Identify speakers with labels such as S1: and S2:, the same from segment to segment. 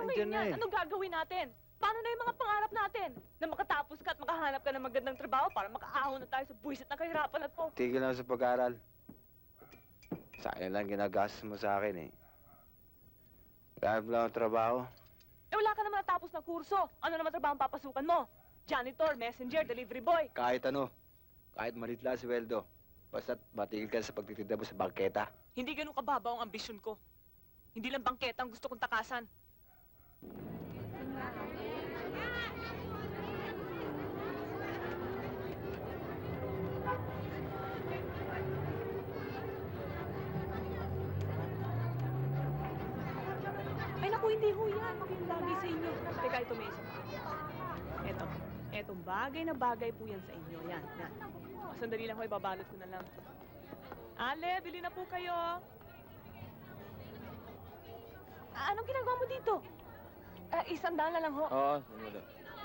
S1: ngayon
S2: na
S1: yan?
S2: eh.
S1: Anong gagawin natin? Paano na yung mga pangarap natin? Na makatapos ka at makahanap ka ng magandang trabaho para makaahon na tayo sa buwisit ng kahirapan at po.
S2: Tigil lang sa pag-aaral. Sayang lang ginagastos mo sa akin eh. Dahil lang ang trabaho.
S1: Eh wala ka naman natapos na kurso. Ano naman trabaho ang papasukan mo? Janitor, messenger, delivery boy.
S2: Kahit ano. Kahit malit lang sweldo. Basta't matigil ka sa pagtitinda mo sa bangketa.
S1: Hindi ganun kababaw ang ambisyon ko. Hindi lang bangketa ang gusto kong takasan. Ay naku, hindi ho yan. Yung bagay sa inyo. Teka, ito may isa pa. Eto. Etong bagay na bagay po yan sa inyo. Yan, yan. O, sandali lang ho, ibabalot ko na lang. Ale, bili na po kayo. Anong ginagawa mo dito? $100 na lang ho.
S2: Oo, sumuli.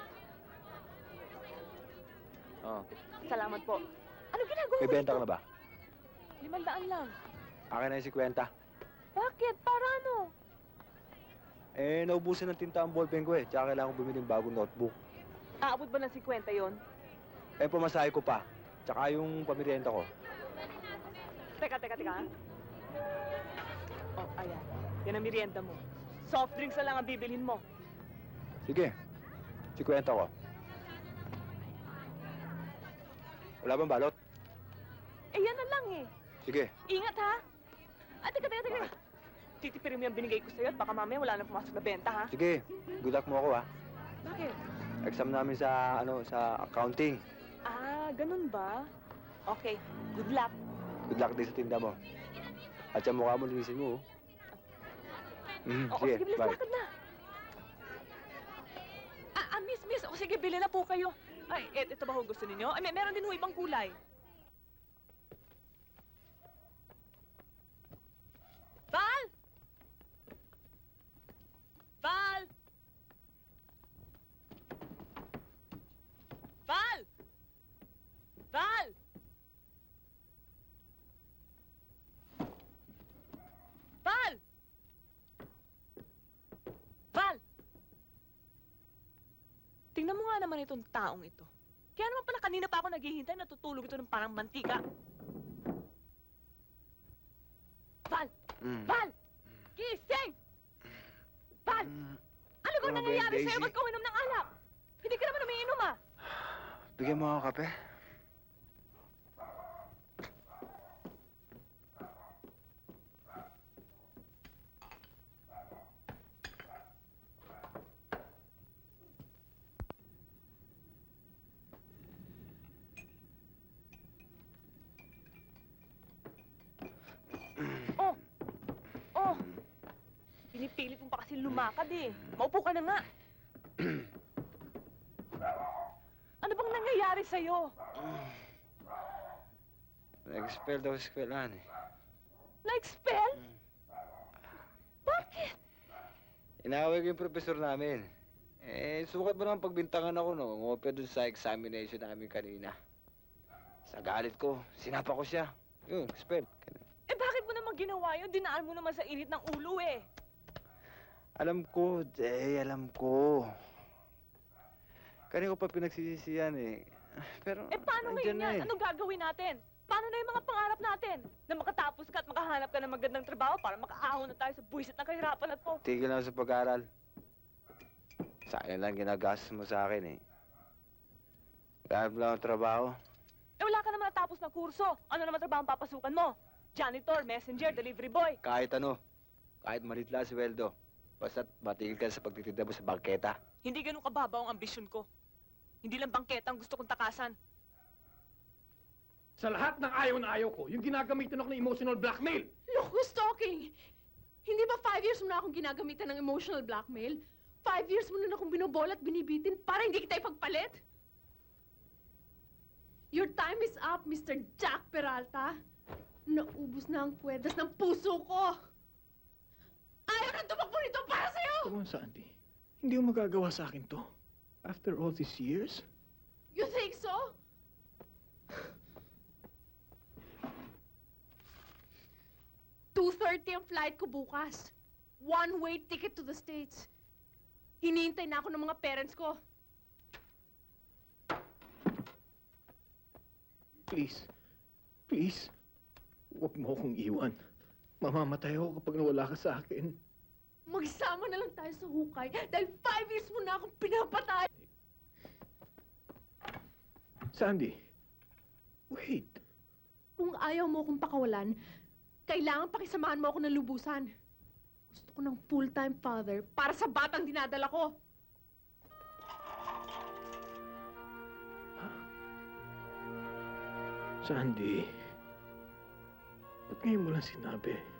S2: Oo.
S1: Salamat po. Anong ginagawa mo
S2: May benta
S1: dito?
S2: ka na ba?
S1: 500 lang.
S2: Akin na yung 50.
S1: Bakit? Para ano?
S2: Eh, naubusan ng tinta ang ballpen ko eh. Tsaka kailangan ko bumili ng bagong notebook.
S1: Aabot ba ng 50 yon?
S2: Eh, pamasahe ko pa. Tsaka yung pamirienta ko.
S1: Teka. Oh, ayan. Yan ang merienda mo. Soft drinks na lang ang bibilhin mo.
S2: Sige. 50 ko. Wala bang balot?
S1: Eh, yan na lang eh.
S2: Sige.
S1: Ingat ha. Teka. Titipirin mo yung binigay ko sa'yo at baka mamaya wala nang pumasok na benta ha.
S2: Sige. Good luck mo ako ha.
S1: Bakit?
S2: Exam namin sa, sa accounting.
S1: Ganun ba? Okay, good luck.
S2: Good luck din sa tinda mo. At sa mukha mo, linisin mo.
S1: Oo,
S2: Sige,
S1: sige, bilis
S2: bye.
S1: lakad na. Miss. O sige, bili na po kayo. Ay, ito ba ho gusto ninyo? Ay, meron din ho ibang kulay. Val! Val! Val! Val! Val! Val! Tingnan mo nga naman itong taong ito. Kaya naman pala kanina pa ako naghihintay, natutulog ito ng parang mantika. Val! Val! Gising! Val! Ano bang nangyayari sa'yo? Ba't ka uminom ng alak? Hindi ka naman umiinom ah!
S2: Bigyan mo ako kape.
S1: Oh! Pinipilit mo pa kasi lumakad eh. Maupo ka na nga. Ano bang nangyayari sa'yo?
S2: Nag-expel daw sa eskwelahan eh.
S1: Na-expel? Bakit?
S2: Inaway ko yung profesor namin. Eh, sukat mo naman pagbintangan ako, no? Ngopya dun sa examination namin kanina. Sa galit ko, sinapa ko siya. Yun, expel.
S1: Eh bakit mo naman ginawa yun? Dinaan mo naman sa init ng ulo eh.
S2: Alam ko, Jay, alam ko. Kanina ko pa pinagsisisiyan eh. Pero,
S1: Eh paano
S2: nandyan
S1: ngayon
S2: na
S1: yan?
S2: eh.
S1: Anong gagawin natin? Paano na yung mga pangarap natin? Na makatapos ka at makahanap ka ng magandang trabaho para makaahon na tayo sa buwisit ng kahirapan at po.
S2: Tigil lang sa pag-aaral. Sayang lang ginagastos mo sa akin eh. Dahil lang ang trabaho.
S1: Eh wala ka naman natapos na kurso. Ano naman trabaho ang papasukan mo? Janitor, messenger, delivery boy.
S2: Kahit ano. Kahit malit lang sweldo. Basta't matigil ka sa pagtitinda mo sa bangketa.
S1: Hindi ganun kababaw ang ambisyon ko. Hindi lang bangketa ang gusto kong takasan.
S3: Sa lahat ng ayaw na ayaw ko, yung ginagamitan ako ng emotional blackmail.
S4: Look who's talking! Hindi ba 5 years mo na akong ginagamitan ng emotional blackmail? 5 years mo na akong binobola at binibitin para hindi kita ipagpalit? Your time is up, Mr. Jack Peralta. Naubos na ang kwedas ng puso ko. Ayaw na tumakbo nito para sa'yo!
S3: Come on, Sandy. Hindi mo magagawa sa akin to. After all these years?
S4: You think so? 2:30 ang flight ko bukas. One-way ticket to the States. Hinihintay na ako ng mga parents ko.
S3: Please. Please. Huwag mo akong iwan. Mamamatay ako kapag nawala ka sa akin.
S4: Magsama na lang tayo sa hukay dahil 5 years mo na akong pinapatay.
S3: Sandy. Wait.
S4: Kung ayaw mo akong pakawalan, kailangan pakisamahan mo ako ng lubusan. Gusto ko ng full-time father para sa batang dinadala ko.
S3: Sandy. Ba't ngayon mo lang sinabi?